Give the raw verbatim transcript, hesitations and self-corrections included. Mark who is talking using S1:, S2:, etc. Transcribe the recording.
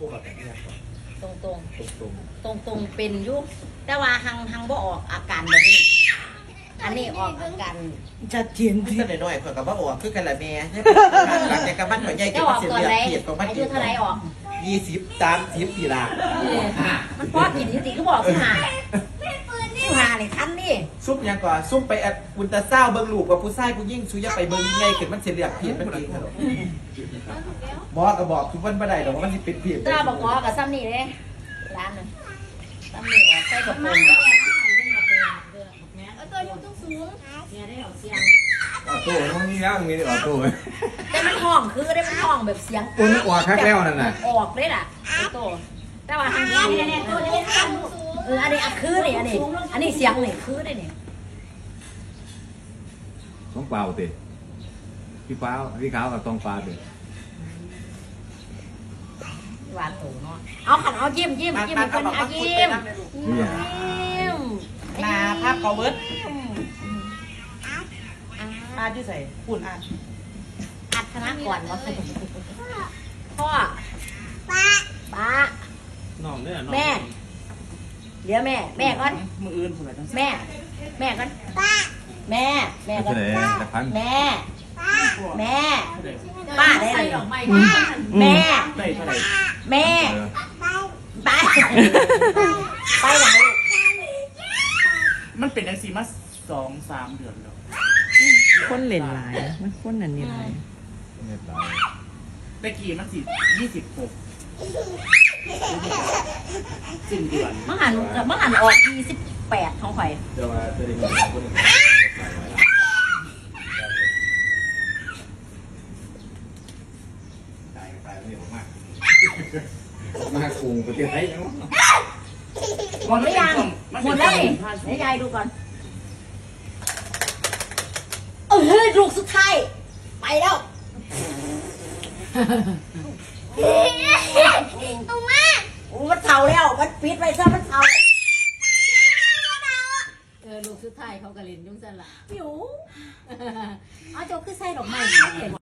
S1: กติเนี่ย
S2: ตรงตรง
S1: ตรง
S2: ตรงตรงเป็นยุแต่ว่าหังหังบ่ออกอาการแบบนี้อันนี้ออกอาการชัดเจน
S1: ที่แต่น้อยข่อยกับว่าออกคือกันละแม่หลังจากกับบ้านข่อยใหญ่
S2: จะ
S1: เก็บ
S2: ออก
S1: เสีย
S2: ตอน
S1: เลือ
S2: ไหน
S1: ดเพียดของบ้าน
S2: อา
S1: เก็
S2: ยุ
S1: บ
S2: เท่าไหรออก
S1: ยี่สิบสามสิบปีละ
S2: มันพอกินจริงๆก็บอกสิหาสิหาเลยทันนี่
S1: ซุปยังก่อนซุปไปอัดอุลตราซาวเบิ้งลูกกับผู้ชายผู้ยิ่งชูยไปเบิ้งใหญ่ขึ้นมันเสียเลือดเพียดมันเองครับหมอก็บอกทุกวันบ่ได้ดอกว่ามันสิเป็นเพียด
S2: ตาบอกงอกับซ้ำนี่เลยร้านนึงซ้ำนี่ออกใส่กระปุก
S3: ตัวอยู่ตรงสูง
S2: เนี่ยได้ออกเสียง
S4: ออโต้มันมีแล้วมีออโต้
S2: แต่มันห้องคือได้มันห้องแบบเสียง
S4: ตัวนึกออกคักแล้วนั่นน่ะ
S2: ออกเลยล่ะไอ้โตแต่ว่าทางนี้เนี่ยเนี่ยตัวนี้เอออันนี้อันคือนี่อันนี้อันนี้เสียงนี่คือได้นี่
S4: ต้องเปล่าติพี่ฟ้าพี่ขาวกับตองปลาติ
S2: หวานโตเนาะเอาขันเอายิ้มยิ้มยิ้มเป็นอายิ้มยิ้ม
S1: นาภาพเขาเบิร์ดอาที่ใส่ปุ่นอา
S2: อัดคณะก่อนวะพ่อป้าป้า
S1: น้องเนี่ยน้อง
S2: แม่เดี๋ยวแม่แม่ก่อน
S1: มืออื่นคนไหนต้อง
S2: แม่แม่ก่อนป้าแม่แม่ก่อน
S4: เฉลยแต่พัน
S2: แม่แม่ป้าได้เลยแม่
S1: ได้เท่าไหร่
S2: แม่ไปไปไหน
S1: มันเป็นอันซีมาสองสามเดือนแล้ว
S5: คนเล่นหลายมันคนอันนี้หลาย
S4: เน็ตไลน์
S1: ตะกี้มันสิยี่สิบหกสิ้นเดือน
S2: มังหันมังหันออกยี่สิบแปดของข่อย
S4: เดี๋ยวมาจะได้เงินคนหนึ่งตายตายไม่ผมมากมากรุงประเทศไทยยัง
S2: หมดหรือยังหมดแล้วนี่ให้ยายดูก่อนเออเฮ้ยลูกสุดท้ายไปแล้วเอามาโอ้มันเท่าแล้วมันปิดไปซะมันเท่าเออลูกสุดท้ายเขากระเล่นยุ่งสั่นละปิวเอาโจคือใส่ดอกไม้